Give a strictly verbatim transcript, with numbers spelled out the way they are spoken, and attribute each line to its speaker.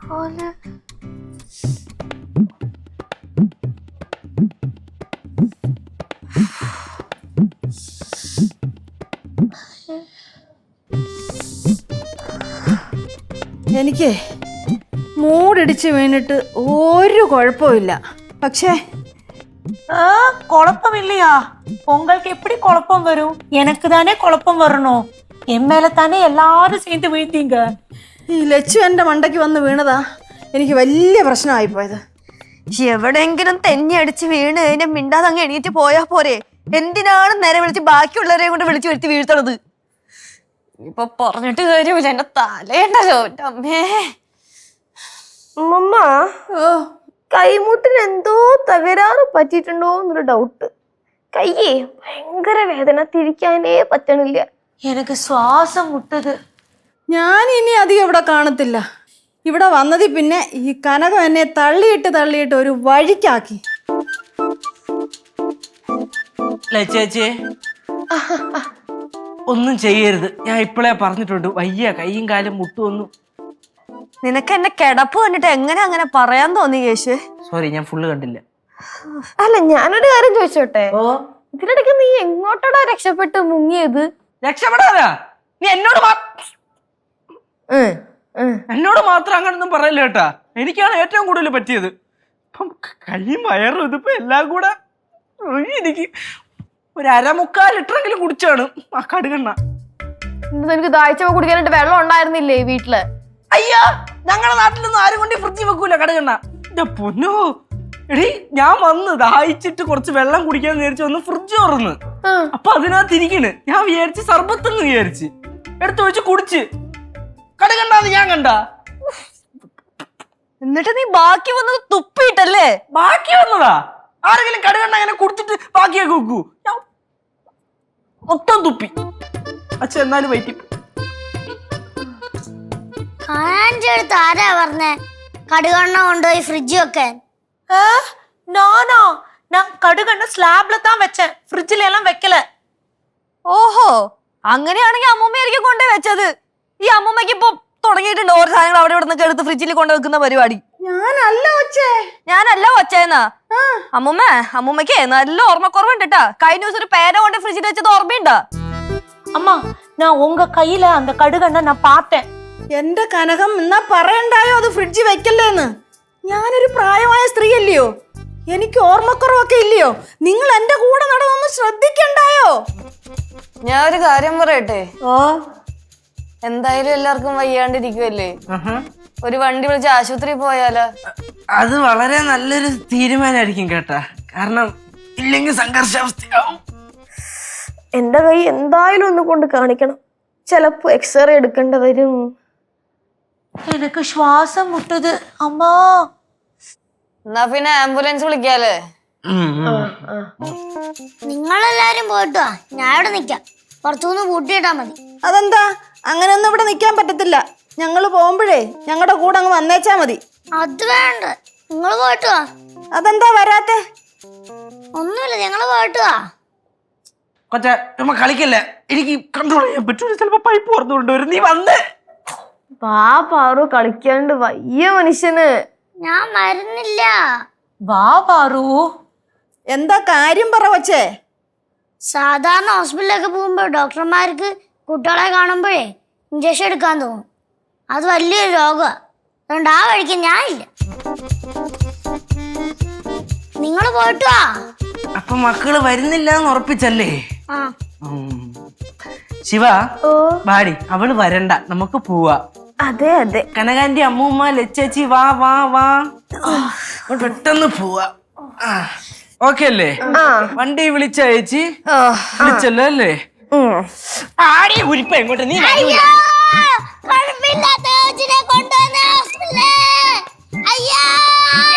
Speaker 1: എനിക്ക് മൂടിടിച്ച് വീണിട്ട് ഒരു കുഴപ്പമില്ല. പക്ഷേ
Speaker 2: குழப்பம் இல்லையா? உங்களுக்கு எப்படி குழப்பம் வரும்? எனக்கு தானே குழப்பம் வரணும். என் மேல தானே எல்லாரும் சேர்ந்து வீழ்த்தீங்க.
Speaker 1: ഈ ലച്ചു എൻ്റെ മണ്ടയ്ക്ക് വന്ന് വീണതാ എനിക്ക് വലിയ പ്രശ്നമായി പോയത്.
Speaker 3: എവിടെയെങ്കിലും തെന്നി അടിച്ച് വീണ് കഴിഞ്ഞാൽ മിണ്ടാതെ അങ്ങ് എണീറ്റ് പോയാ പോരെ? എന്തിനാണ് നേരെ വിളിച്ച് ബാക്കിയുള്ളവരെ കൊണ്ട് വിളിച്ചു വരുത്തി വീഴ്ത്തണത്? ഇപ്പൊ പറഞ്ഞിട്ട് കാര്യമില്ല, എന്റെ തലയുണ്ടല്ലോ അമ്മേ.
Speaker 4: അമ്മ കൈമുട്ടിന് എന്തോ തകരാറ് പറ്റിയിട്ടുണ്ടോ എന്നൊരു ഡൗട്ട്. കയ്യേ ഭയങ്കര വേദന, തിരിക്കാനേ പറ്റണില്ല.
Speaker 2: எனக்கு சுவாசம் முட்டுது.
Speaker 1: ഞാൻ ഇനി അധികം ഇവിടെ കാണത്തില്ല. ഇവിടെ വന്നതിൽ പിന്നെ ഈ കനകം എന്നെ തള്ളിയിട്ട് തള്ളിയിട്ട് ഒരു വഴിക്കാക്കി.
Speaker 5: ചേച്ചി ഒന്നും ചെയ്യരുത്, ഞാൻ ഇപ്പോഴേ പറഞ്ഞിട്ടുണ്ട്. വയ്യ, കൈയും കാലും മുട്ടുവൊന്നും.
Speaker 3: നിനക്ക് എന്നെ കിടപ്പ് കണ്ടിട്ട് എങ്ങനെ അങ്ങനെ പറയാൻ തോന്നി കേശു?
Speaker 5: സോറി, ഞാൻ ഫുള്ള് കണ്ടില്ല.
Speaker 4: അല്ല, ഞാനൊരു കാര്യം ചോദിച്ചോട്ടെ, ഇതിനിടയ്ക്ക് നീ എങ്ങോട്ടാടാ രക്ഷപ്പെട്ട് മുങ്ങിയത്?
Speaker 5: രക്ഷപ്പെടാനാ? നീ എന്നോട് എന്നോട് മാത്രം അങ്ങനൊന്നും പറയില്ല കേട്ടാ. എനിക്കാണ് ഏറ്റവും കൂടുതൽ പറ്റിയത്. ഇപ്പം കൈയും വയറും ഇതിപ്പോ എല്ലാം കൂടെ എനിക്ക് ഒരു അരമുക്കാൽ ലിറ്ററെങ്കിലും കുടിച്ചാണ് ആ കടുകണ്ണ.
Speaker 4: നിനക്ക് ദാഹിച്ചപ്പോ കുടിക്കാനായിട്ട് വെള്ളം ഉണ്ടായിരുന്നില്ലേ വീട്ടില്?
Speaker 5: അയ്യാ, ഞങ്ങളുടെ നാട്ടിലൊന്നും ആരും കൊണ്ട് ഫ്രിഡ്ജിൽ വെക്കൂല കടുകണ്ണ. എന്റെ പൊന്നോ എടീ, ഞാൻ വന്ന് ദാഹിച്ചിട്ട് കുറച്ച് വെള്ളം കുടിക്കാൻ വിചാരിച്ചു വന്ന് ഫ്രിഡ്ജ് തുറന്ന്, അപ്പൊ അതിനകത്ത് ഇരിക്കണ്. ഞാൻ വിചാരിച്ച് സർബത്തെന്ന് വിചാരിച്ച് എടുത്തൊഴിച്ച് കുടിച്ച്. കടുകണ്ടാന്ന് ഞാൻ കണ്ട.
Speaker 3: എന്നിട്ട് നീ ബാക്കി വന്നത് തുപ്പിയിട്ടല്ലേ?
Speaker 5: ബാക്കി വന്നതാ? ആരെങ്കിലും കടുകണ്ണ അങ്ങനെ കുടിച്ചിട്ട് ബാക്കിയൊക്കെ വെക്കൂ? ഞാൻ മൊത്തം തുപ്പി. അച്ഛൻ എന്നാലും വൈറ്റി.
Speaker 6: ആരാ പറഞ്ഞേ കടുകണ്ണ കൊണ്ടുപോയി ഫ്രിഡ്ജ് വെക്കാൻ?
Speaker 2: நானா? நான் கடுகண்ண ஸ்லாப்ல தான் வச்சேன், ஃப்ரிட்ஜ்ல எல்லாம் வைக்கல.
Speaker 3: ഓഹോ, അങ്ങനെയാണെങ്കിൽ അമ്മൂമ്മയായിരിക്കും കൊണ്ടേ വെച്ചത്. ഈ അമ്മൂമ്മക്ക് ഇപ്പൊ തുടങ്ങിയിട്ടുണ്ട് ഓരോ സാധനങ്ങൾ അവിടെ ഇവിടെ നിന്നൊക്കെ എടുത്ത് ഫ്രിഡ്ജിൽ കൊണ്ടു വെക്കുന്ന പരിപാടി.
Speaker 1: ഞാനല്ല ഒച്ചേ
Speaker 3: ഞാനല്ല ഒച്ചേന്നാ? അമ്മൂമ്മ അമ്മൂമ്മക്ക് നല്ല ഓർമ്മക്കുറവുണ്ട് കേട്ടാ. കഴിഞ്ഞ ദിവസം ഒരു പേര കൊണ്ട് ഫ്രിഡ്ജിൽ വെച്ചത് ഓർമ്മയുണ്ടാ?
Speaker 2: அம்மா, நான் உங்க கையில அந்த கடுகண்ண நான் பார்த்தேன்.
Speaker 1: എന്റെ കനകം എന്നാ പറയണ്ടായോ അത് ഫ്രിഡ്ജിൽ വെക്കല്ലേന്ന്? ഞാനൊരു പ്രായമായ സ്ത്രീ അല്ലയോ? എനിക്ക് ഓർമ്മക്കുറവൊക്കെ ഇല്ലയോ? നിങ്ങൾ എന്റെ കൂടെ നടന്നൊന്ന് ശ്രദ്ധിക്കണ്ടായോ?
Speaker 3: ഞാൻ ഒരു കാര്യം പറയട്ടെ.
Speaker 1: ഓ,
Speaker 3: എന്തായാലും എല്ലാവർക്കും വയ്യാണ്ടിരിക്കുവല്ലേ, ഒരു വണ്ടി വിളിച്ച് ആശുപത്രി പോയാലോ?
Speaker 5: അത് വളരെ നല്ലൊരു തീരുമാനമായിരിക്കും കേട്ടാ. കാരണം ഇല്ലെങ്കിൽ സംഘർഷാവസ്ഥയാവും.
Speaker 4: എന്റെ കൈ എന്തായാലും ഒന്ന് കൊണ്ട് കാണിക്കണം. ചിലപ്പോ എക്സ്റേ എടുക്കേണ്ടി വരും.
Speaker 2: எனக்கு சுவாசம் முட்டுது அம்மா.
Speaker 3: എന്നാ പിന്നെ ആംബുലൻസ് വിളിക്കാല്ലേ?
Speaker 6: നിങ്ങളെല്ലാരും പോയിട്ട് വാ, ഞാൻ ഇവിടെ നിക്കാം. പുറത്തുനിന്ന് പൂട്ടിയിട്ടാ മതി.
Speaker 1: അതെന്താ? അങ്ങനെയൊന്നും ഇവിടെ നിൽക്കാൻ പറ്റത്തില്ല. ഞങ്ങൾ പോകുമ്പോഴേ ഞങ്ങളുടെ കൂടെ അങ്ങ് വന്നേച്ചാ മതി.
Speaker 6: അത് വേണ്ട, നിങ്ങൾ പോയിട്ട് വാ.
Speaker 1: അതെന്താ വരാത്തെ?
Speaker 6: ഒന്നുമില്ല, ഞങ്ങള് പോയിട്ട് വാ.
Speaker 5: കൊച്ച നമ്മ കളിക്കല്ലേ, എനിക്ക് കൺട്രോൾ ചെയ്യാൻ പറ്റൂല. ചിലപ്പോ പൈപ്പ് പുറത്തു കൊണ്ടുവരും. നീ വന്ന്
Speaker 4: വാ പാറു, കളിക്കാണ്ട് വയ്യ മനുഷ്യന്.
Speaker 6: ഞാൻ മരുന്നില്ല.
Speaker 2: வா பாரு.
Speaker 1: എന്താ കാര്യം പറ വച്ചേ?
Speaker 6: സാധാരണ ഹോസ്പിറ്റലിലൊക്കെ പോകുമ്പോൾ ഡോക്ടർമാർക്ക് കുട്ടികളെ കാണുമ്പോഴേ ഇഞ്ചക്ഷൻ എടുക്കാൻ തോന്നും. അത് വലിയൊരു രോഗമാണ്. അതുകൊണ്ട് ആ വഴിക്ക് ഞാനില്ല. നിങ്ങൾ പോയിട്ട് വാ.
Speaker 5: അപ്പൊ മക്കള് വരുന്നില്ല എന്ന് ഉറപ്പിച്ചല്ലേ?
Speaker 6: ആ,
Speaker 5: ശിവ ബാടി, അവള് വരണ്ട, നമുക്ക് പോവാ.
Speaker 4: അതെ അതെ,
Speaker 5: കനകാന്റെ അമ്മൂമ്മ ലച്ചേച്ചി വാ വാ വാ, പെട്ടെന്ന് പോവാ. ഓക്കെ അല്ലേ? വണ്ടി വിളിച്ച ചേച്ചി വിളിച്ചല്ലോ അല്ലേ? ആടി ഉരിപ്പ എങ്ങോട്ട്? നീ
Speaker 6: കുഴപ്പമില്ലാത്ത കൊണ്ടുവന്ന ഹോസ്പിറ്റലിൽ. അയ്യോ